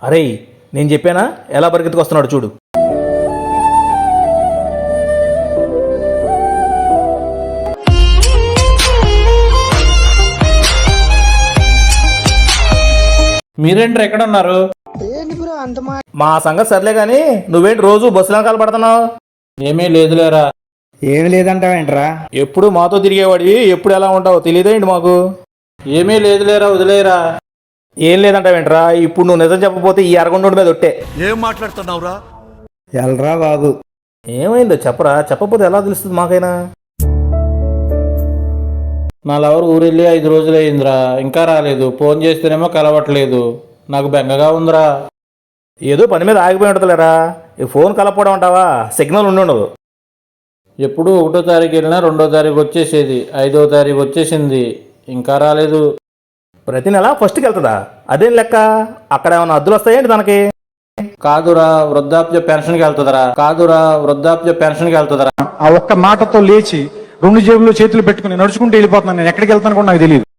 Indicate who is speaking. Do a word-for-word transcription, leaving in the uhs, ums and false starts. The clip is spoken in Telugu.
Speaker 1: అరే నేను చెప్పానా ఎలా పరిగెత్తుకొస్తున్నాడు చూడు.
Speaker 2: మీరేంటి ఎక్కడ ఉన్నారు?
Speaker 1: మా సంగతి సర్లే గాని నువ్వేంటి రోజు బస్సులో కాలు పడుతున్నావు?
Speaker 2: ఏమీ లేదులేరా.
Speaker 3: ఏమి లేదంటావేంట్రా?
Speaker 1: ఎప్పుడు మాతో తిరిగేవాడివి ఎప్పుడు ఎలా ఉంటావు తెలియదేంటి మాకు?
Speaker 2: ఏమీ లేదులేరా, వదిలేరా.
Speaker 1: ఏం లేదంటావేంట్రా? ఇప్పుడు నువ్వు నిజం చెప్పకపోతే ఈ అరగొండ మీద ఒట్టే.
Speaker 4: ఏం మాట్లాడుతున్నావురా?
Speaker 3: ఎల్రా బాబు.
Speaker 1: ఏమైందో చెప్పరా, చెప్పకపోతే ఎలా తెలుస్తుంది మాకైనా?
Speaker 2: నా లవర్ ఊరెళ్ళి ఐదు రోజులు అయిందిరా, ఇంకా రాలేదు. ఫోన్ చేస్తేనేమో కలవట్లేదు. నాకు బెంగగా ఉందిరా.
Speaker 1: ఏదో పని మీద ఆగిపోయి ఉంటుందిలేరా. ఈ ఫోన్ కలపడం అంటావా? సిగ్నల్ ఉండి ఉండదు.
Speaker 2: ఎప్పుడు ఒకటో తారీఖు వెళ్ళినా రెండో తారీఖు వచ్చేసేది, ఐదో తారీఖు వచ్చేసింది, ఇంకా రాలేదు.
Speaker 1: ప్రతి నెల ఫస్ట్కి వెళ్తుందా? అదేం లెక్క? అక్కడ ఏమైనా అద్దులు వస్తాయేంటి తనకి?
Speaker 2: కాదురా, వృద్ధాప్య పెన్షన్కి వెళ్తుందరా. కాదురా, వృద్ధాప్య పెన్షన్కి వెళ్తుందరా.
Speaker 5: ఆ ఒక్క మాటతో లేచి రెండు జేబుల్లో చేతులు పెట్టుకుని నడుచుకుంటూ వెళ్ళిపోతున్నాను. నేను ఎక్కడికి వెళ్తాను కూడా నాకు తెలియదు.